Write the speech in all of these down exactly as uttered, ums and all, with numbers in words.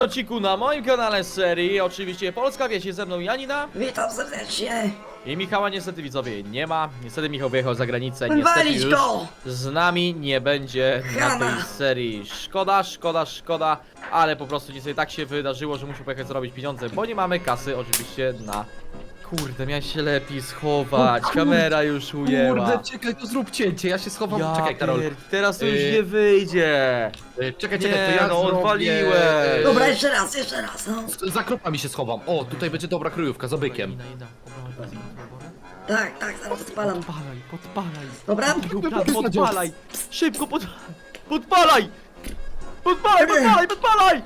Odcinku na moim kanale z serii, oczywiście Polska Wieś, ze mną Janina Witam serdecznie. i Michała niestety widzowie nie ma. Niestety Michał wyjechał za granicę, niestety Walić już go! z nami nie będzie na Chama. tej serii. Szkoda, szkoda, szkoda, ale po prostu niestety tak się wydarzyło, że muszę pojechać zarobić pieniądze, bo nie mamy kasy oczywiście na... Kurde, miałeś się lepiej schować, O kurde, kamera już ujęła. Kurde, czekaj, to zrób cięcie, ja się schowam. Ja Czekaj, Karol. pier... Teraz to już Yy, nie wyjdzie. Y, Czekaj, Nie, czekaj, to ja no, zrobię... odwaliłeś. Dobra, jeszcze raz, jeszcze raz, no. Za kropami się schowam. O, tutaj będzie dobra kryjówka, za bykiem. Janina, Janina, obrałeś benzyną, dobra? Tak, tak, zaraz podpalam. Podpalaj, podpalaj. Dobra? Dobra, podpalaj. Szybko pod... Podpalaj! Podpalaj, podpalaj, podpalaj!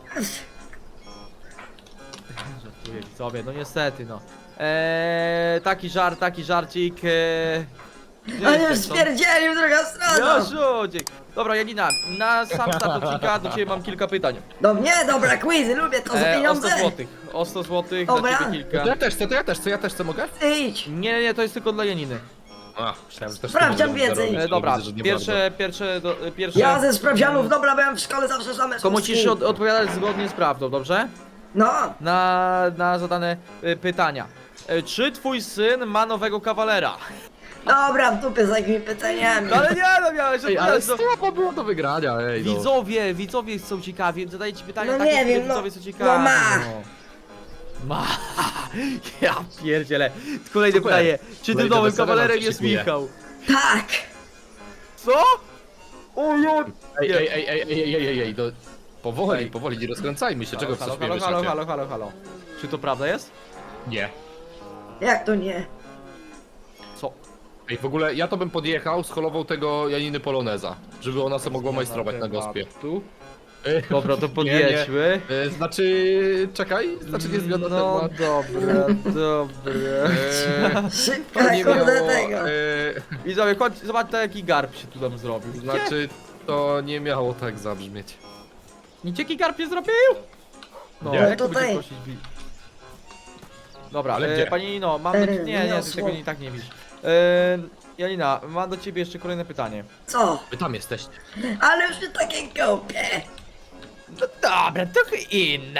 Żartuję widzowie, no niestety no. Eee, taki żart, taki żarcik. Eee... A już spierdzielił druga strona. Jasiuciek. Dobra Janina, na sam start odcinka do ciebie mam kilka pytań. Do mnie? Dobra, quizy, lubię to za Eee, o pieniądze. sto złotych. O sto złotych dla Dobra. ciebie To kilka. ja też chcę, to ja też chcę, ja też chcę, mogę? Idź. Nie, nie, nie, to jest tylko dla Janiny. A, myślałem, że też Sprawdzian ty wiedzy. będę robić, E, ale dobra, widzę, że nie pierwsze, pierwsze, do, e, pierwsze... Ja ze sprawdzianów, dobra, byłem w szkole zawsze same To musisz szóstki. od, odpowiadać zgodnie z prawdą, dobrze? No, Na, na zadane y, pytania. Y, czy twój syn ma nowego kawalera? dobra, w dupie z takimi pytaniami. No ale nie, no miałeś Ej, ale odpowiadać. No. słabo było do wygrania, ej no. Widzowie, widzowie są ciekawi, zadaję ci pytania No takie, nie które wiem, no- widzowie są ciekawi. no ma. no. Ma. Ja pierdzielę. Kolejne Super. pytanie. Czy tym Kolejne nowym wesele kawalerem nam się jest szykuje. Michał? Tak. Co? O ja... Ej, Nie. ej, ej, ej, ej, ej, ej, ej, no. Powoli, Ej. powoli, nie rozkręcajmy się, czego halo, chcesz halo, mnie halo, wyszacie? halo, halo, halo. Czy to prawda jest? Nie. Jak to nie? Co? Ej, w ogóle ja to bym podjechał, scholował tego Janiny Poloneza, żeby ona sobie mogła majstrować na gospie. Tu? Ej, Dobra, to nie, nie. podjedźmy. E, Znaczy, czekaj, znaczy nie zmiana No temat. dobra, dobra. Eee, Szybka, to nie kurde miało, tego. e, Widzowie, chodź, zobaczcie jaki garb się tu nam zrobił. znaczy, to nie miało tak zabrzmieć. Nic jaki garb się zrobił? No, Nie. jak No to tutaj. będzie prosić bi- Dobra, Ale e, gdzie? pani Nino, mam do... Nie, nie, ty Niosło. tego i tak nie widzisz. E, Janina, mam do ciebie jeszcze kolejne pytanie. Co? Wy tam jesteście. Ale już nie takie głupie. No dobra, trochę inne.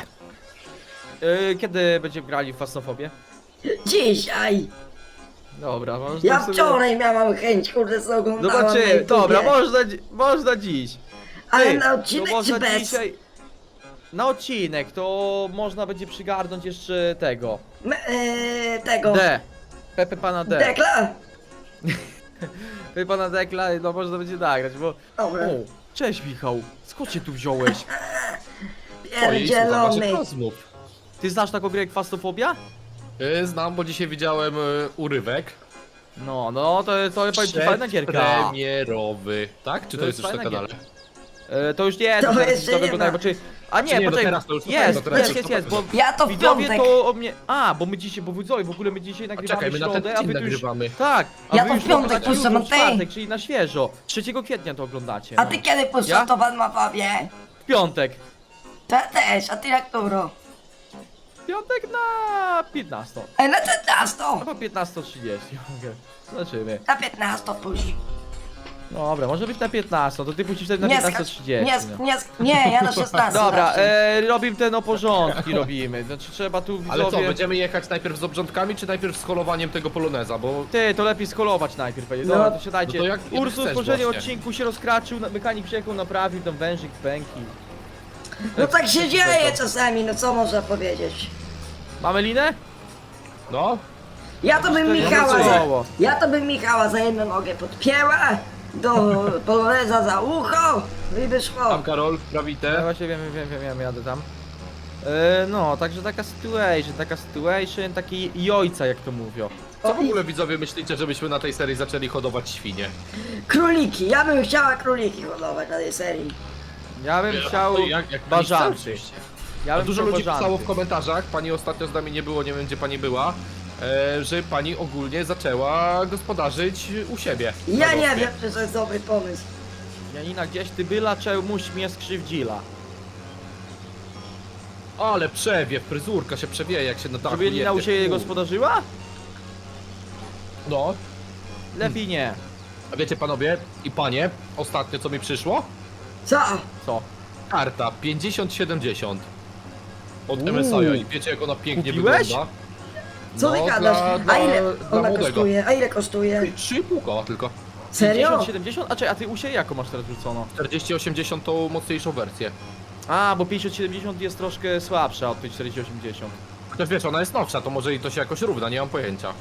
E, kiedy będziemy grali w Fasnofobię? Dzisiaj. Dobra, można Ja sobie... wczoraj miałam chęć, kurde, co oglądałam na Zobaczymy, YouTubie. dobra, można, dzi- można dziś. Ale Ty, na odcinek no można czy bez? dzisiaj... Na odcinek to można będzie przygarnąć jeszcze tego. Me, e, tego. D. Pepe pana D. Dekla? Pepe pana Dekla, no można będzie nagrać, bo... Dobra. O, cześć Michał, skąd się tu wziąłeś? Ojej, słucham Pierdzielony. waszych rozmów. Ty znasz taką grę jak Fastofobia? E, Znam, bo dzisiaj widziałem e, urywek. No, no, to, to powiem ci fajna gierka. Premierowy. Tak? Czy to, To jest jest już na fajna kanale? E, to już nie, To to, teraz jeszcze to nie wygląda ma. bo czy... A nie, Czy nie, no poczekaj, teraz to już jest, to teraz jest, już jest, to jest, bo Ja to w widzowie piątek. to o mnie... A, bo my dzisiaj, bo widzowie, w ogóle my dzisiaj nagrywamy czekaj, my na ten środę, a wy tydzień tu już... nagrywamy. Tak, a Ja wy to już w piątek oglądacie puszczam, jutro w a ty? czwartek, czyli na świeżo. trzeciego kwietnia to oglądacie. A no. ty kiedy Ja? puszczasz to pan ma pawie? W piątek. To ja też, a ty jak którą? W piątek na piętnastą. Ej, na piętnastą. Albo piętnaście trzydzieści. Zobaczymy. Na piętnastą puść. Dobra, może być na piętnastą, to ty puścisz wtedy na Nie piętnaście skacz, trzydzieści. nie, sk- nie, sk- nie, ja na szesnastą. Dobra, zawsze. e, robimy te no porządki robimy. Znaczy trzeba tu widzowie... Ale co, będziemy jechać najpierw z obrządkami, czy najpierw z holowaniem tego Poloneza, bo... Ty, to lepiej skolować najpierw, panie. No. Dobra, to siadajcie. No to jak- jak Ursus chcesz w poprzednim właśnie. odcinku się rozkraczył, na- mechanik przyjechał, naprawił tam wężyk z pęki. No tak się dzieje czasami, no co można powiedzieć? Mamy linę? No, Ja to bym To nie Michała ma za, co. ja to bym Michała za jedną nogę podpięła, do poloneza za ucho i wyszło. tam Karol, Ja prawite. właśnie wiem, wiem, wiem, wiem, jadę tam. E, no, także taka situation, taka situation, taki jojca jak to mówią. Co w ogóle widzowie myślicie, żebyśmy na tej serii zaczęli hodować świnie? Króliki, ja bym chciała króliki hodować na tej serii. Ja bym chciał Jak- jak pani chce, bażanty. oczywiście. Ja A bym dużo chciał ludzi bażanty. pisało w komentarzach, pani ostatnio z nami nie było, nie wiem gdzie pani była, e, że pani ogólnie zaczęła gospodarzyć u siebie. Ja na nie gospie. wiem, czy to jest dobry pomysł. Janina, gdzieś ty byla, czemuś mnie skrzywdzila. Ale przewiew, fryzurka się przewieje jak się na dachu Żeby Janina u jedzie. siebie U. gospodarzyła? No, Lepiej nie. a wiecie panowie i panie, ostatnio co mi przyszło? Co? Co? karta pięćdziesiąt siedemdziesiąt od Uuu. M S I i wiecie jak ona pięknie Kupiłeś? wygląda? Co ty No, gadasz? dla- A dla- ile dla ona młodego. kosztuje? A ile kosztuje? trzy i pół koła tylko. Serio? pięćdziesiąt, siedemdziesiąt? A czekaj, a ty u siebie jaką masz teraz rzucono? czterdzieści osiemdziesiąt tą mocniejszą wersję. A, bo pięćdziesiąt siedemdziesiąt jest troszkę słabsza od tej czterdzieści osiemdziesiąt. Chociaż wiesz, ona jest nowsza, to może i to się jakoś równa, nie mam pojęcia.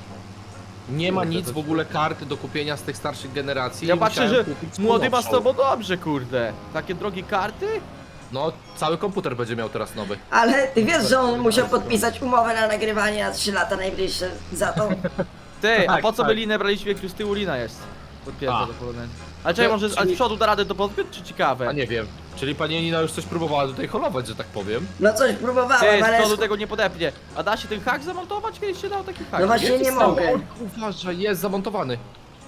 Nie ma Kurde, nic to- w ogóle kart do kupienia z tych starszych generacji. Ja patrzę, Musiałem że kupić młody ma z nowszą. tobą dobrze, kurde. Takie drogie karty? No, cały komputer będzie miał teraz nowy. Ale ty wiesz, że on musiał podpisać umowę na nagrywanie na trzy lata najbliższe za to. Ty, a Tak, po co tak. by linę braliśmy, jak tu z tyłu lina jest? Podpięta A. do poloneza. Ale czekaj, Ja- może z, a z czyli- przodu da radę to podpiąć, czy ciekawe? A nie wiem. Czyli pani Nina już coś próbowała tutaj holować, że tak powiem. No coś Ty, próbowałem, z ale... przodu tego nie podepnie. A da się ten hak zamontować? Kiedyś się dał taki hak. No właśnie nie stało? mogę. O, uważaj, jest zamontowany.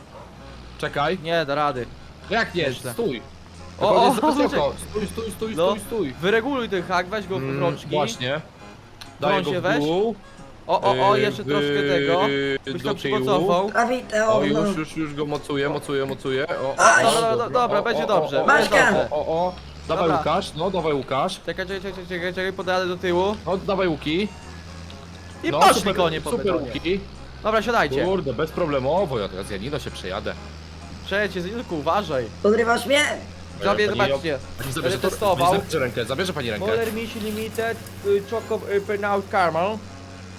Czekaj. Nie, da rady. Jak nie? Myślę. Stój. O, O, o, o, jest za o, wysoko. Stój, stój, stój, No, stój, stój. wyreguluj ten hak, weź go w Mm, rączki. Właśnie. Którą Daję go się w weź? dół. O, o, o, Yy, jeszcze troszkę yy, tego. Byś do tam tyłu. przymocował. Prawite, O, o, no. już, już, już go mocuję, mocuję, mocuję. O, o, Aj. o, Dobra, dobra, dobra, o, będzie o, dobrze, o, o, będzie o, dobrze. O, o, o. Dawaj Dobra. Łukasz, no dawaj Łukasz. Czekaj, czekaj, czekaj, czekaj, czekaj, podaję do tyłu. No dawaj Łuki. I No, poszli super, konie po super betonie. Łuki. Dobra, siadajcie. Kurde, bezproblemowo, ja teraz Janino się przejadę. Przejdźcie, tylko uważaj. Podrywasz mnie? Sobie, Pani- zobaczcie. Pani zabierze Będę to, testował. pani zabierze rękę, zabierze pani rękę. Moller Mission Limited, y, Choco y, Burnout Caramel. Eee,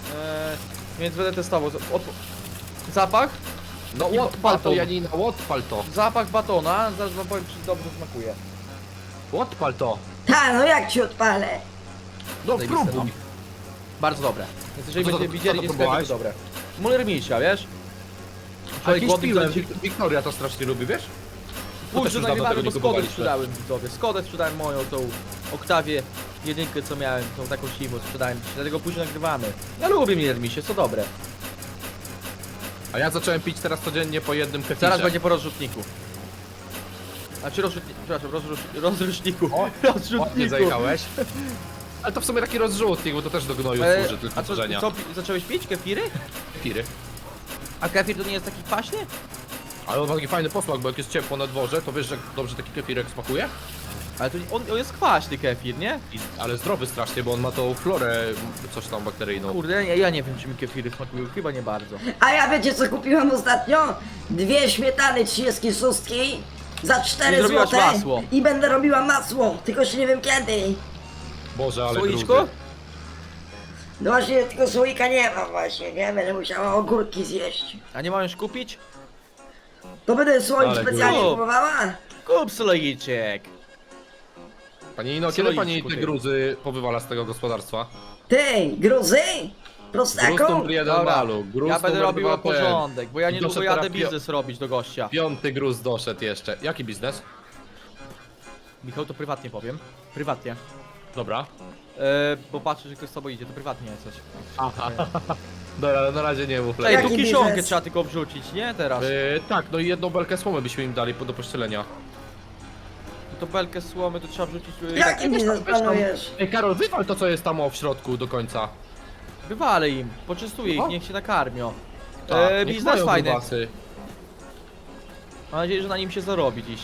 więc będę testował. Od... Zapach? No I odpal to baton. Janina, odpal to. Zapach batona. Zaraz wam powiem, czy dobrze smakuje. Odpal to. Ta, no jak ci odpalę? No Zajebiste, próbuj. Bardzo dobre. Więc jeżeli Co to- będziecie co widzieli, to jest sklepie, to próbowałeś? dobre. Moller Mission, wiesz? A Człowiek kiedyś głodny piłem, chce- Wik- Wiktoria to strasznie lubi, wiesz? To Pójdź, też że już dawno nagrywamy, tego bo nie Skodę kupowaliśmy. sprzedałem widzowie. Skodę sprzedałem moją, tą Oktawię jedynkę, co miałem, tą taką siwą sprzedałem. Dlatego później nagrywamy. Ja lubię Miller Misie, co dobre. A ja zacząłem pić teraz codziennie po jednym kefirze. Zaraz będzie po rozrzutniku. Znaczy rozrzutniku, przepraszam, rozrusz, rozruszniku. O, ładnie rozrzutniku. zajechałeś. Ale to w sumie taki rozrzutnik, bo to też do gnoju E, służy, tylko a co, tworzenia. co, pi- zacząłeś pić kefiry? Kefiry. A kefir to nie jest taki kwaśny? Ale on ma taki fajny posmak, bo jak jest ciepło na dworze, to wiesz, jak dobrze taki kefirek smakuje? Ale to nie- on, on jest kwaśny kefir, nie? I, ale zdrowy strasznie, bo on ma tą florę, coś tam bakteryjną. Kurde, ja, ja nie wiem, czy mi kefiry smakują, chyba nie bardzo. A ja wiecie co kupiłam ostatnio? Dwie śmietany trzydzieści sześć za I cztery zrobiłaś złote masło. i będę robiła masło, tylko się nie wiem kiedy. Boże, ale Słoiczko? gruzy. No właśnie, tylko słoika nie ma właśnie, nie? Będę musiała ogórki zjeść. A nie mam już kupić? To będę słoik Ale specjalnie grubo. kupowała? Kup słoiczek. Pani Ino, kiedy pani te gruzy powywala z tego gospodarstwa? Ty, gruzy? Gruz Prostaku? numer jeden Dobra, malu, gruz ja będę numer robił dwa ten. porządek, bo ja niedługo Doszedł jadę teraz pio- biznes robić do gościa. Piąty gruz doszedł jeszcze. Jaki biznes? Michał, to prywatnie powiem. Prywatnie. Dobra. E, bo patrzę, że ktoś z tobą idzie, to prywatnie coś. Aha. Dobra, na razie nie mów Czekaj, lepiej. tu Jaki kiszonkę biznes? trzeba tylko wrzucić, nie? Teraz. Yy, tak, no i jedną belkę słomy byśmy im dali do pościelenia. To belkę słomy to trzeba wrzucić. e, Jaki weź biznes tam, weź tam. planujesz? Ej Karol, wywal to co jest tam o w środku do końca. Wywalę im, poczęstuję ich, O. niech się nakarmią. Tak, E, niech biznes mają fajny. grubasy. Mam nadzieję, że na nim się zarobi dziś.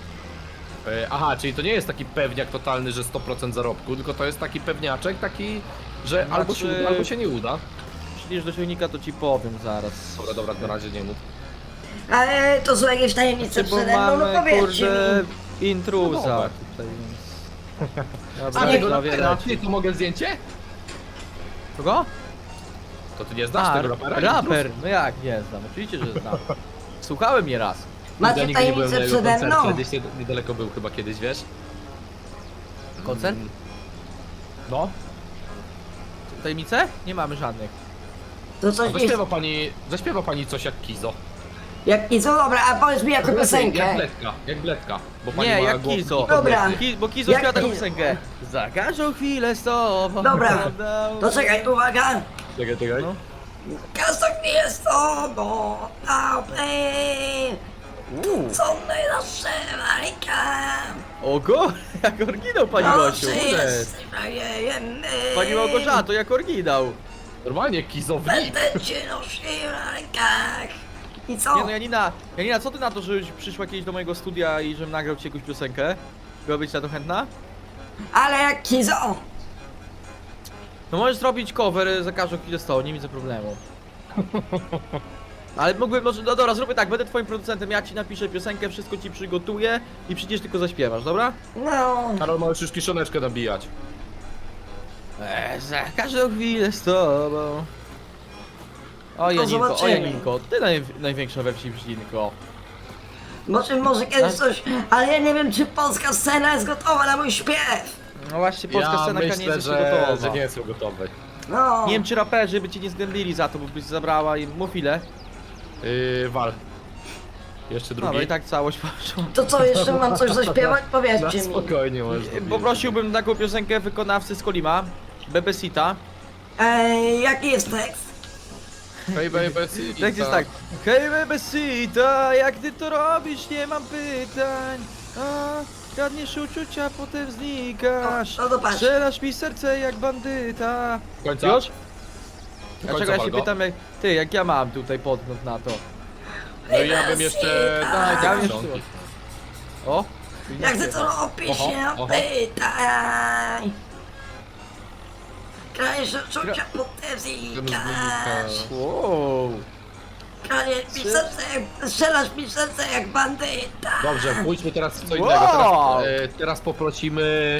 Yy, aha, czyli to nie jest taki pewniak totalny, że sto procent zarobku, tylko to jest taki pewniaczek, taki, że Znaczy- albo się uda, albo się nie uda. Przyjdziesz do silnika, to ci powiem zaraz. Dobra, dobra, na razie nie mów. Ale to są jakieś tajemnice Znaczy, bo przede mną, no mamy, powiedzcie kurde, mi. intruza No dobra. tutaj, więc... A Dobra, tego prawie rapera, leci. ty, to mogę zdjęcie? Kogo? To ty nie znasz A, tego rapera? raper, no jak, nie znam, oczywiście, że znam. Słuchałem mnie raz. Ja Macie nigdy nie byłem na tajemnice jego przede koncercie, mną? gdzieś nie- niedaleko był chyba kiedyś, wiesz? Koncert? Mm. No, Tajemnice? Nie mamy żadnych. To a coś nie... zaśpiewa pani, zaśpiewa pani coś jak Kizo. Jak i co, dobra, a powiedz mi jaką Jak piosenkę. Bledka, jak Bledka. Bo pani Nie, ma jak głos- Kizo. Dobra. Ki, bo Kizo Jak śpiewa taką Kizo? piosenkę. Za każdą chwilę z tobą. Dobra. będę- To czekaj, uwaga. Czekaj, czekaj. No. Każda chwilę jest tobą, dobry. Uuu. Co najlepsze walka. Ogo, jak oryginał pani Gosiu. Dobrze Kurde. jest, frajemy. Pani Małgorzato, jak oryginał. Normalnie Kizownik. Będę cię nosił na rękach. I co? Nie no Janina, Janina, co ty na to, żebyś przyszła kiedyś do mojego studia i żebym nagrał ci jakąś piosenkę? Byłabyś na to chętna? Ale jak Kizo. No możesz zrobić cover za każdą chwilę sto, nie widzę problemu. Ale mógłbym, może, no dobra, zróbmy tak, będę twoim producentem, ja ci napiszę piosenkę, wszystko ci przygotuję i przyjdziesz tylko zaśpiewasz, dobra? No. Karol, możesz już kiszoneczkę nabijać. Eee, za każdą chwilę z tobą. O Janinko, o zobaczymy. Janinko, ty naj, największa we wsi Brzydinko. Może, może kiedyś coś, ale ja nie wiem, czy polska scena jest gotowa na mój śpiew. No właśnie, polska Ja scena myślę, nie jest że, jeszcze gotowa. że nie są gotowe. No. Nie wiem, czy raperzy by cię nie zgnębili za to, bo byś zabrała im mów ile. Yy, wal. Jeszcze drugi. Dobra, i tak całość poszło. To co, jeszcze mam coś zaśpiewać? Na Powiedzcie mi. spokojnie możesz dobić. Poprosiłbym taką piosenkę wykonawcy z Kolima, Bebesita. Ej, jaki jest tekst? Hej, baby, city, Tekst jest tak. Hej Bebesita, jak ty to robisz, nie mam pytań. A, kradniesz uczucia, potem znikasz. No, no to patrz. Strzelasz mi serce jak bandyta. Końca? Już? Do Dlaczego końca ja się wal go. pytam, jak, ty, jak ja mam tutaj podgląd na to? No i ja bym jeszcze... Daj, Ja daj, bym kiszonki. jeszcze- O! Jak ty to robisz, Oho, nie oho. pytaj. Krajesz uczucia, potem znikasz. Wow! Krajesz mi serce, jak, strzelasz mi serce jak bandyta. Dobrze, pójdźmy teraz w co Wow. innego. Teraz, e, teraz poprosimy...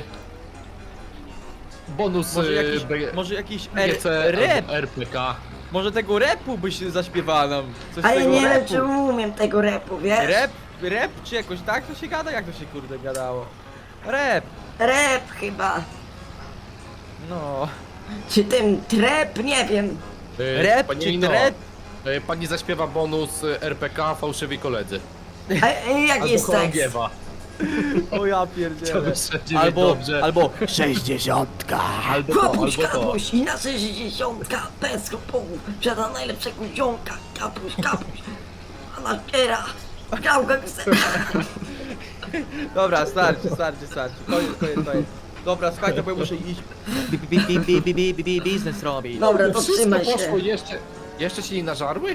Bonus Może e, jakiś, B- może jakiś B G C R, rap? albo R P K. Może tego rapu byś zaśpiewała nam? Coś Ale tego nie wiem, rapu. czy umiem tego rapu, wiesz? Rap? Rap czy jakoś tak to się gada? Jak to się kurde gadało? Rap! Rap chyba. No. Czy ten trap, nie wiem. E, Rap pani czy Nino, trap? e, Pani zaśpiewa bonus e, R P K Fałszywi koledzy. A, a jaki jest tekst? chorągiewa. O ja To pierdzielę. by wszędzie Albo, dobrze. albo sześćdziesiątka. Albo to, Kapuś, albo to. kapuś i na sześćdziesiątka bez kopułu Przeda najlepszego ziomka. Kapuś, kapuś. A na kiera. Grał gangstera. Dobra, starczy, starczy, starczy. Koniec, koniec, koniec. Dobra, słuchajcie, bo ja muszę iść. Bi, bi, bi, bi, bi, bi, bi, bi, biznes robić. Dobra, to Wszystko trzymaj poszło, się. jeszcze, jeszcze się nie nażarły?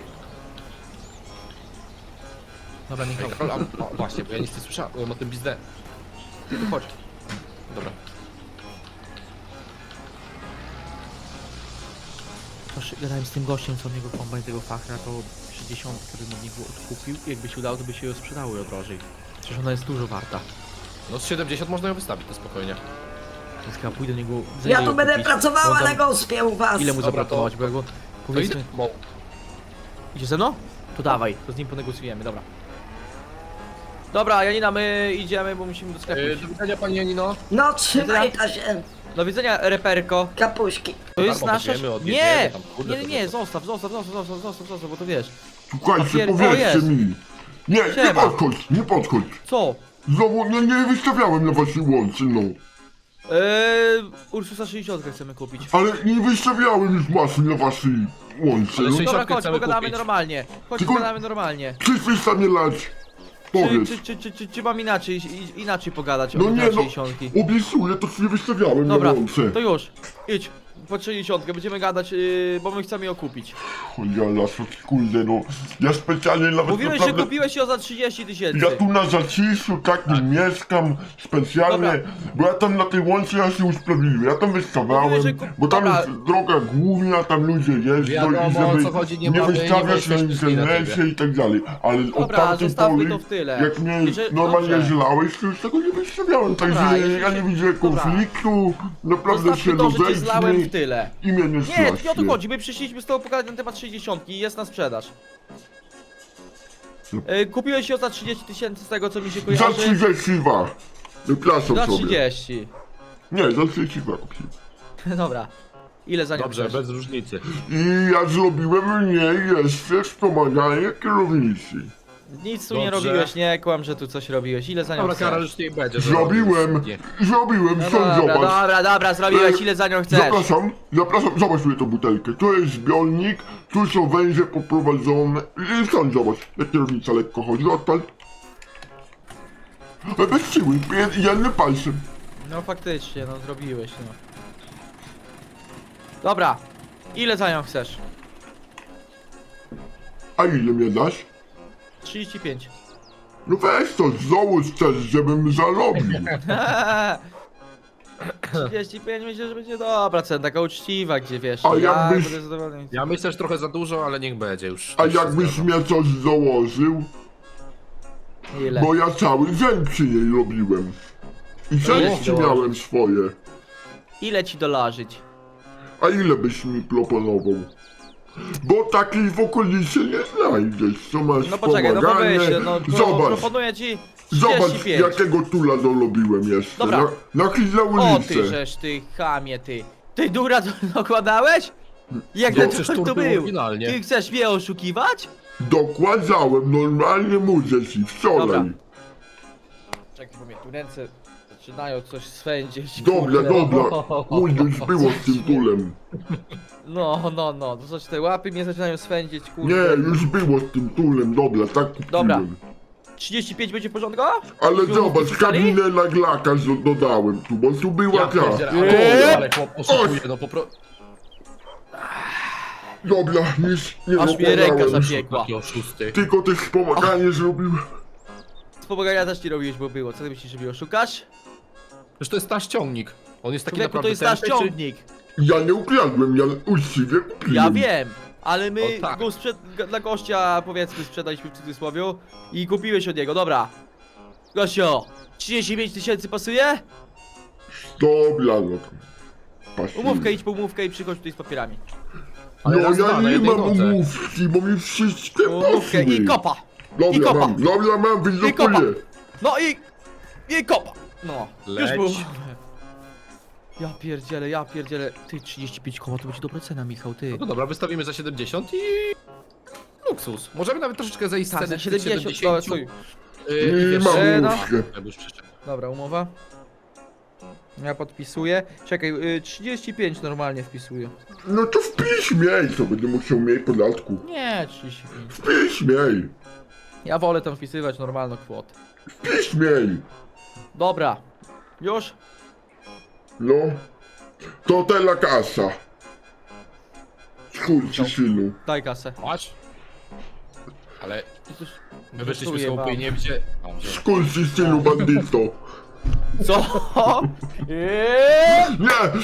Dobra, Michał, Ej, Karol, a, o, właśnie, bo ja nic nie słyszałem o tym biznes. ty tu chodź. Dobra. Proszę, gadałem z tym gościem, co od niego kombajn tego fachra, to sześćdziesiąt, który od niego odkupił. Jakby się udało, to by się ją sprzedały drożej. Przecież ona jest dużo warta. No z siedemdziesiąt można ją wystawić, to spokojnie. Więc chyba pójdę do niego. za Ja ile tu ją będę kupić. pracowała Bo na tam- gospie u was. Ile mu Dobra, zabrakować, to- bo ja go... To Powiedzmy... idę, bo Idzie ze mną? To dawaj, to z nim ponegocjujemy, dobra. Dobra, Janina, my idziemy, bo musimy do sklepu Yy, iść. do widzenia pani Janino. No trzymaj ta się. Do widzenia, reperko. Kapuśki. To jest Darmo nasza... weźmiemy, odjedziemy Nie! tam, kurde, Nie, nie, to nie, to- zostaw, zostaw, zostaw, zostaw, zostaw, zostaw, bo to wiesz. Słuchajcie, Papier- o, powiedzcie jest. mi. Nie, nie Siema. podchodź, nie podchodź. Co? Znowu nie, nie wystawiałem na waszej łące, no. Eee, Ursusa sześćdziesiąt chcemy kupić. Ale nie wystawiałem już masy na waszej łące, Ale no. sześć- Dobra, chodź, chcemy pogadamy kupić. normalnie. Chodź, Tylko- pogadamy normalnie. Chcesz przestanie lać? Czy, Powiedz. czy, czy, czy, czy, czy mam inaczej, i- inaczej pogadać No o nie, no, sześćdziesiątki? obiecuję, to nie wystawiałem na Dobra, łące. to już. Idź. Po sześćdziesiątkę będziemy gadać, yy, bo my chcemy ją kupić. Cholera, kurde, no. Ja specjalnie nawet Mówiłeś, że naprawdę... kupiłeś ją za trzydzieści tysięcy. Ja tu na zaciszu takim mieszkam specjalnie, Dobra. bo ja tam na tej łące ja się usprawiedliwię, ja tam wystawiałem, Mówiłeś, że kup- bo tam Dobra. jest droga główna, tam ludzie jeżdżą Wiadomo, i żeby o co chodzi, nie nie mamy- nie wystawiać na jesteśmy źli na internecie ciebie. i tak dalej, ale od Dobra, tamtej zostawmy pory, to w tyle. jak mnie I że- normalnie dobrze. zlałeś, to już tego nie wystawiałem, Dobra, także jeżeli ja się- nie widzę dobra. konfliktu, naprawdę się Zostawmy to, że cię zlałem rozejdźmy w tyle. i mnie nie Nie, strasznie. nie o to chodzi, my przyszliśmy z tobą pogadać na temat sześćdziesiątki i jest na sprzedaż. No. Yy, kupiłeś ją za trzydzieści tysięcy z tego co mi się Za kojarzy. trzydzieści dwa, wypraszam Za sobie. trzydzieści. Nie, za trzydzieści dwa kupiłem. Dobra. Ile za nią Dobrze, chcesz? bez różnicy. I ja zrobiłem mnie jeszcze wspomaganie kierownicy. Nic tu nie Dobrze. robiłeś, nie kłam, że tu coś robiłeś. Ile za nią Dobra, chcesz? Karol, już nie będzie. że Zrobiłem, robisz. Nie. zrobiłem, No no dobra, zobacz. dobra, dobra, zrobiłeś, ile za nią chcesz? Zapraszam, zapraszam, zobacz sobie tą butelkę. Tu jest zbiornik, tu są węże poprowadzone. I stąd zobacz, jak kierownica lekko chodzi, odpal. Ale bez siły, jed- jednym palcem. No faktycznie, no zrobiłeś, no. Dobra, ile za nią chcesz? A ile mnie dasz? trzydzieści pięć. No weź to, załóż też, żebym zarobił. trzydzieści pięć myślę, że będzie dobra cena, taka uczciwa, gdzie wiesz, A ja jakbyś- będę zadowolony. Ja myślę, że trochę za dużo, ale niech będzie już. A już się jakbyś zgadzam. mnie coś założył, Ile? bo ja cały dzień przy niej robiłem. I części O. miałem swoje. Ile ci dolarzyć? A ile byś mi proponował? Bo takiej w okolicy nie znajdziesz, co masz No poczekaj, no bo pomaganie. weź, no pro, Zobacz, proponuję ci zobacz trzydzieści pięć. jakiego tula dorobiłem jeszcze. Dobra. Na, na chwilę O ulicę. ty żeż ty chamie ty. Ty dura to dokładałeś? Jak No, to, przecież to, tur to był był? oryginalnie. Ty chcesz mnie oszukiwać? Dokładałem, normalnie mówię ci, wczoraj. Dobra. Czekaj, bo mnie tu ręce zaczynają coś swędzić. Dobra, kurde. dobra, mój już było z tym tulem. No, no, no, to coś te łapy mnie zaczynają swędzić, kurde. Nie, już było z tym tulem, dobra, tak kupiłem. Dobra. trzydzieści pięć będzie w porządku? Ale Już zobacz, wpisali? kabinę na glaka z- dodałem tu, bo tu była Ja ta. pierdzielę, Eee! ale, ale chłop oszukuje, no po prostu. Dobra, nic nie Aż mnie ręka dokładałem. zapiekła. Taki oszusty. Tylko też wspomaganie zrobiłem. Wspomagania też nie robiłeś, bo było. Co ty myślisz, że mnie oszukasz? Przecież to jest nasz ciągnik. On jest taki Człowieku, naprawdę to jest nasz tępy, czy- ciągnik. Ja nie ukradłem, ja uczciwie kupiłem. Ja wiem, ale my O, tak. go sprzed... g- dla gościa, powiedzmy, sprzedaliśmy w cudzysłowie i kupiłeś od niego, dobra. Gościo, trzydzieści pięć tysięcy pasuje? Dobra, no to. pasuje. Umówkę, idź po umówkę i przychodź tutaj z papierami. Ale No raz, dwa, ja na nie jednej mam nodze. umówki, bo mi wszystkie Umówkę pasuje. i kopa. i Dobra, kopa. mam, dobra, mam, I kopa. wylokuję. No i... i kopa. No, już Leć. było. Ja pierdzielę, ja pierdzielę. Ty, trzydzieści pięć koła to będzie dobra cena, Michał, ty. No to dobra, wystawimy za siedemdziesiąt i... Luksus. Możemy nawet troszeczkę zejść z Tak, ceny za siedemdziesiąt, dobra, stój. Yy, i Nie wiesz, mam e, no. umówkę. ja już przeszedł. Dobra, umowa. Ja podpisuję. Czekaj, y, trzydzieści pięć normalnie wpisuję. No to wpisz miej, co będę musiał mieć podatku. Nie, trzydzieści pięć. Wpisz miej, Ja wolę tam wpisywać normalną kwotę. wpisz miej. Dobra. Już? No. To tela kasa. Skurczy synu. Daj kasę. Patrz. Ale I cóż, my wyszliśmy z żartuję wam. chłopie nie gdzie... A, że- Skurczy synu, bandyto. Co? Eee, Nie!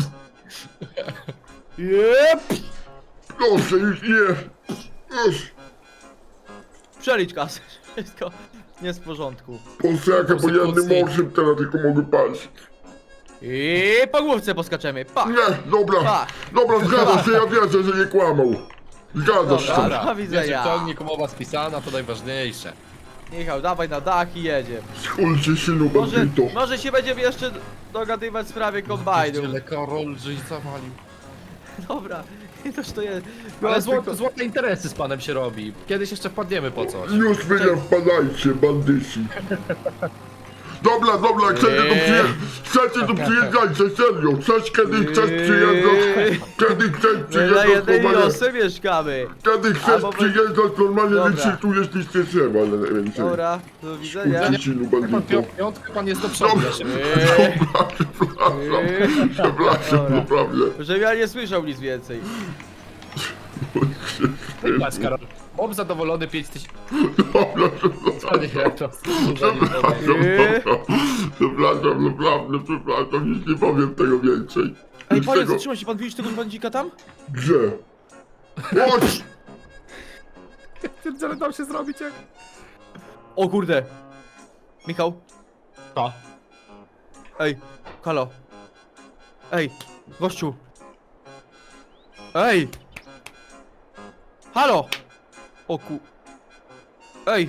eee, Proszę, już nie. Już. Przelicz kasę. Wszystko nie jest w porządku. Posrakę, bo ja nie Konstytucji. mogę teraz, tylko mogę patrzeć. I po główce poskaczemy. Pa! Nie, dobra. Pa! Dobra, zgadza się, ja wierzę, że nie kłamał. Zgadza się. Dobra. Dobra, Do widzenia. wiecie, ciągnik, umowa spisana, to najważniejsze. Michał, dawaj na dach i jedziemy. Skurczy synu, Może, bandyto. może się będziemy jeszcze dogadywać w sprawie kombajnu. Tyle Karol, żeś zawalił. Dobra, toż to jest... Ale złote, złote interesy z panem się robi. Kiedyś jeszcze wpadniemy po coś. Już wy nie wpadajcie, bandyci. Dobra, dobra, chcecie tu przyjeżdżać, chcecie tu przyjeżdżajcie, serio. Chcesz kiedy chcesz przyjeżdżać, kiedy chcesz My na przyjeżdżać, jednej normalnie. wiosce mieszkamy. Kiedy chcesz Albo wy- przyjeżdżać, normalnie Dobra. wyczytujesz nic nie trzeba, ale więcej. Dobra, do widzenia. Skurczy synu, Pan bandyto. pią- piątkę, pan jest do przodu. Dobra. Ja się... Eee, Przepraszam, przepraszam, Dobra. naprawdę. żebym ja nie słyszał nic więcej. Patrz, Karol. Bob zadowolony pięć tysięcy. Dobra, To nie, to... przepraszam, Eee. dobra. Przepraszam, naprawdę, przepraszam, nic nie powiem tego więcej. Ej, Nic panie, tego- zatrzymaj się, pan widzisz tego bandzika tam? Gdzie? Chodź! Ale dał się zrobić jak... O kurde. Michał, To. ej, halo. Ej, gościu. Ej. Halo. O ku... Ej,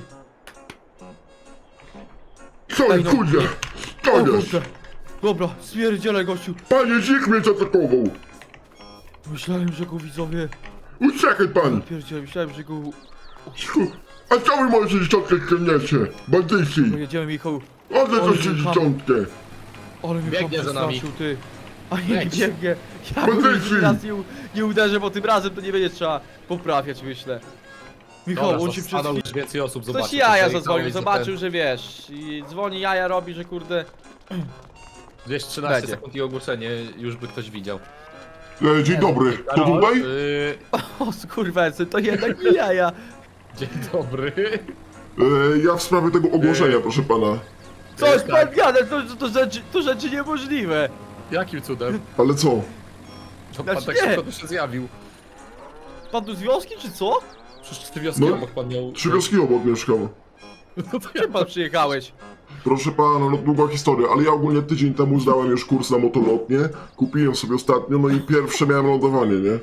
Co Ej, jest, no. kurde? o To jest! kurde. Dobra, stwierdzielę gościu. Panie Dzik mnie zaatakował! Myślałem, że go widzowie... Uciekaj pan! Pierdziele, myślałem, że go... A co wy możecie szczotkę ściągniecie? Bandyci! Pojedziemy, Michał. Oddaj Oj, to się Michał. szczotkę! Ale mnie Biegnie pan za nami. przestraszył, ty. A nie Leć. biegnie. Ja Bo go leci. już raz nie, u- nie uderzę, bo tym razem to nie będzie trzeba poprawiać, myślę. Michał, Dobra, on się przed stanął, chwilą... już więcej osób zobaczy. Ktoś jaja Tutaj zadzwonił, całej zobaczył, że wiesz. I dzwoni jaja robi, że kurde... dwieście trzynaście Będzie. sekund i ogłoszenie już by ktoś widział. E, dzień dobry, to Karol, tutaj? Yy, O skurwęcy, to jednak nie jaja. dzień dobry. E, ja w sprawie tego ogłoszenia, proszę pana. Coś tak. pan gada, to, to, to, rzeczy, to rzeczy niemożliwe. Jakim cudem? Ale co? To pan Znaczy tak nie. szybko tu się zjawił. Pan tu z wioski, czy co? Przecież ty wioski No. obok pan miał... Trzy wioski obok mieszkam. No to ja Czym pan przyjechałeś? Proszę pana, no długa historia, ale ja ogólnie tydzień temu zdałem już kurs na motolotnie. Kupiłem sobie ostatnio, no i pierwsze miałem lądowanie, nie?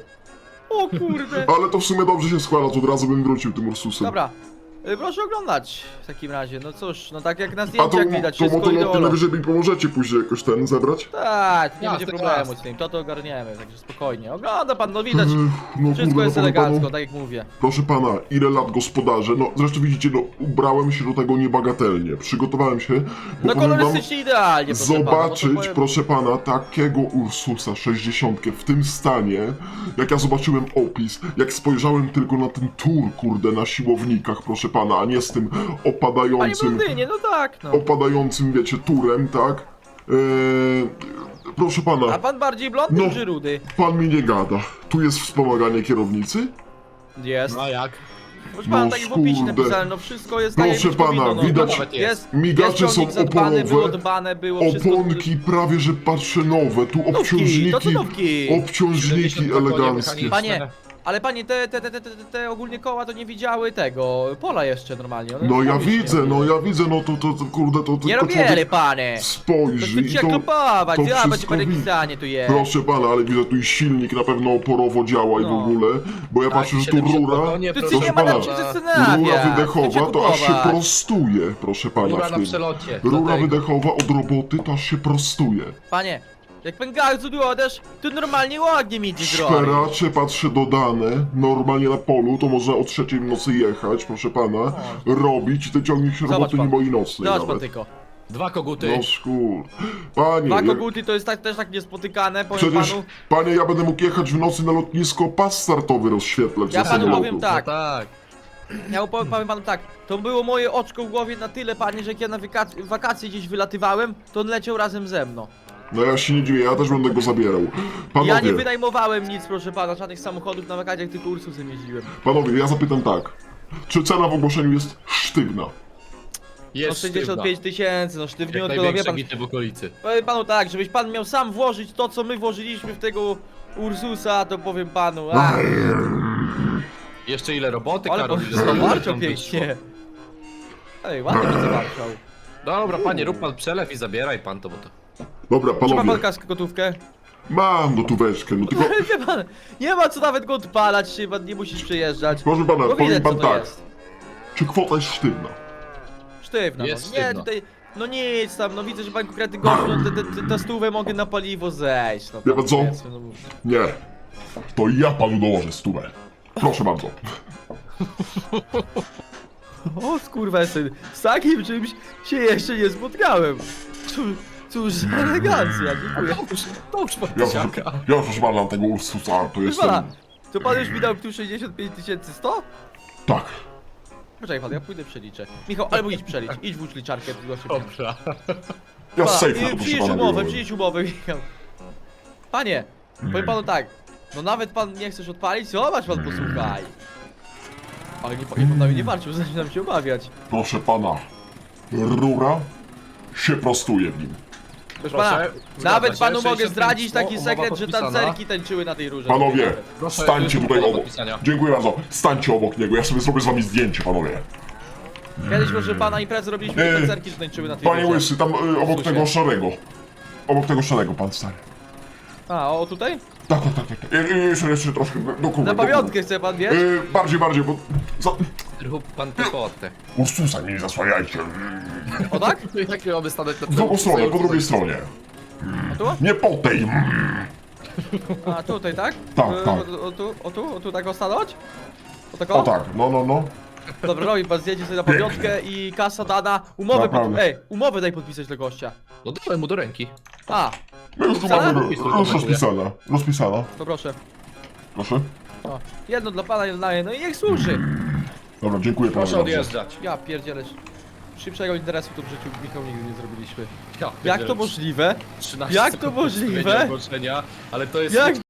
O kurde. Ale to w sumie dobrze się składa, to od razu bym wrócił tym Ursusem. Dobra. y, Proszę oglądać w takim razie. No cóż, no tak jak na A to, zdjęciach widać, to wszystko motolotnie ideolo. najwyżej mi pomożecie później jakoś ten zebrać? Tak, nie Jasne, będzie problemu jasne. z tym, to to ogarniemy, także spokojnie. Ogląda pan, no widać, Ech, no wszystko kurde, jest no powiem elegancko, panu, tak jak mówię. proszę pana, ile lat gospodarze? No zresztą widzicie, no ubrałem się do tego niebagatelnie. Przygotowałem się, bo No powiem wam, kolorystycznie idealnie, proszę pana, zobaczyć, no to powiem... proszę pana, takiego Ursusa sześćdziesiąt w tym stanie, jak ja zobaczyłem opis, jak spojrzałem tylko na ten tur, kurde, na siłownikach, proszę pana, a nie z tym Panie opadającym, blondynie, no tak, no. opadającym, wiecie, turem, tak? Eee, proszę A pana, pan bardziej blondyn No. czy rudy? pan mi nie gada. Tu jest wspomaganie kierownicy? Jest. No a jak? Proszę pana, no tak jak w opisie kurde. napisałem, no wszystko jest tak jak Proszę być powinno, pana, no. widać- Nawet jest. Jest, Migacze jest są ciągnik zadbany, było oporowe, dbane, było wszystko... oponki prawie że patrzę nowe, tu to co obciążniki, nówki? obciążniki siedemdziesiąt dwa konie eleganckie. mechaniczne. Panie, ale panie, te, te, te, te, te, te ogólnie koła to nie widziały tego, pola jeszcze normalnie. one No ja robić nie widzę, no robiły. ja widzę, no to, to, to kurde, to Nie tylko robieli, człowiek panie! To spojrzy chcecie i to... klopować, to ja będzie wszystko pan wi- pisanie tu jest. Proszę pana, ale widzę tu i silnik na pewno oporowo działa i w No. ogóle, bo ja Tak, patrzę, że tu siedemdziesiąt dwa rura, konie, Tu proszę ci nie ma pana, nad czym pana. zastanawiać. rura Chcecie wydechowa, to aż się kupować. prostuje, proszę pana. Rura w na tym. przelocie. Rura dlatego. wydechowa od roboty, to aż się prostuje. Panie, jak pan gazu odesz, to normalnie ładnie mi ci zrobi. Szperacze, patrzę, dodane, normalnie na polu, to można o trzeciej w nocy jechać, proszę pana, robić i ten ciągnik się Zobacz roboty nie pan. boi nocnej Zobacz pan nawet. tylko. Dwa koguty. No szkur. Panie, Dwa jak- koguty to jest tak, też tak niespotykane, powiem przecież, panu. panie, ja będę mógł jechać w nocy na lotnisko, pas startowy rozświetlać Ja za panu samolotu. powiem tak. No tak. Ja powiem, powiem panu tak, to było moje oczko w głowie na tyle, panie, że jak ja na wyka- wakacje gdzieś wylatywałem, to on leciał razem ze mną. No ja się nie dziwię, ja też będę go zabierał. Panowie, Ja nie wynajmowałem nic, proszę pana, żadnych samochodów na wakacjach, tylko Ursusem jeździłem. panowie, ja zapytam tak. Czy cena w ogłoszeniu jest sztywna? No Jest sześćdziesiąt pięć tysięcy, no Jak sztywniutko, no wie największe pan. bity w okolicy. Powiem panu tak, żebyś pan miał sam włożyć to, co my włożyliśmy w tego Ursusa, to powiem panu, a, Jeszcze ile roboty, ale Karol, po- ile zrobił, zawarciał tam pięknie. Ej, ładnie mi zawarciał. Dobra, panie, rób pan przelew i zabieraj pan to, bo to... Dobra, Czy ma pan panowie, kaskę gotówkę? mam gotóweczkę, no tylko... Wie pan, nie ma co nawet go odpalać, się pan nie musisz przyjeżdżać. Proszę pana, Bo powiem widać, co pan to tak. jest. Czy kwota jest sztywna? Sztywna, Jest no. Nie, sztywna. tutaj, no nic tam, no widzę, że pan konkretny gościu, no te, te, te, te stówę mogę na paliwo zejść, no Wie tam, pan co? powiedzmy, no. Nie. To ja panu dołożę stówę. Proszę bardzo. O skurwesyn, z takim czymś się jeszcze nie spotkałem. Cóż, cóż za elegancja, dziękuję. To już pan Ja, tysiaka. proszę, ja proszę pana tego Ursusa, to Proszę jestem... pana, to pan już mi dał tu sześćdziesiąt pięć tysięcy sto? Tak. Poczekaj pan, ja pójdę przeliczę. Michał, albo idź przelicz, idź włóż liczarkę, tu się pieniądze. Dobra. Ja Pa, z sejfu, i to proszę przynieś pana. umowę, biorę. przynieś umowę, Michał. Panie, powiem panu tak, no nawet pan nie chcesz odpalić, zobacz pan, posłuchaj. Ale nie, nie pan na mnie nie walczył, zaczynam się obawiać. Proszę pana. Rura się prostuje w nim. Proszę Proszę, pana, zgadza nawet się, panu mogę sześćdziesiąt zdradzić pięć, taki umowa sekret, że podpisana. tancerki tańczyły na tej rurze. Panowie, Nawet. Proszę, stańcie już tutaj do obok. podpisania. Dziękuję bardzo. Stańcie obok niego, ja sobie zrobię z wami zdjęcie, panowie. Kiedyś proszę pana imprezę robiliśmy, Yy, tancerki że tańczyły na tej Panie rurze. Łysy, tam y, obok Susie. tego szarego. Obok tego szarego, pan stary. A, o tutaj? Tak, tak, tak, tak. Y, y, Jeszcze, jeszcze troszkę do do kuby. Na do kuby. pamiątkę chce pan, wiesz? Y, Bardziej, bardziej, bo... Za... Rób pan tę fotę. Ursusa nie zasłaniajcie. O tak? Jak mamy stanąć na W drugą stronę, po drugiej stronie. A tu? Nie po tej. A tutaj, tak? Tak, E, tak. O, o tu, o tu, o tu tak o stanąć? O tak O tak, no, no, no. Dobra, robi pan zdjęcie sobie na pamiątkę i kasa dana. Umowę pod... Naprawdę. Ej, umowę daj podpisać dla gościa. No dałem mu do ręki. A, My już tu Rozpisana? mamy ro- już rozpisana. Rozpisana. to proszę. Proszę. O, jedno dla pana, jedno dla mnie, no i niech służy. Dobra, dziękuję panu Proszę bardzo. odjeżdżać. Ja pierdzielę. Szybszego interesu tu w życiu Michał nigdy nie zrobiliśmy. Ja, Jak to możliwe? trzynaście jak to sekund możliwe? przedstawienia ogłoszenia, ale to jest... Jak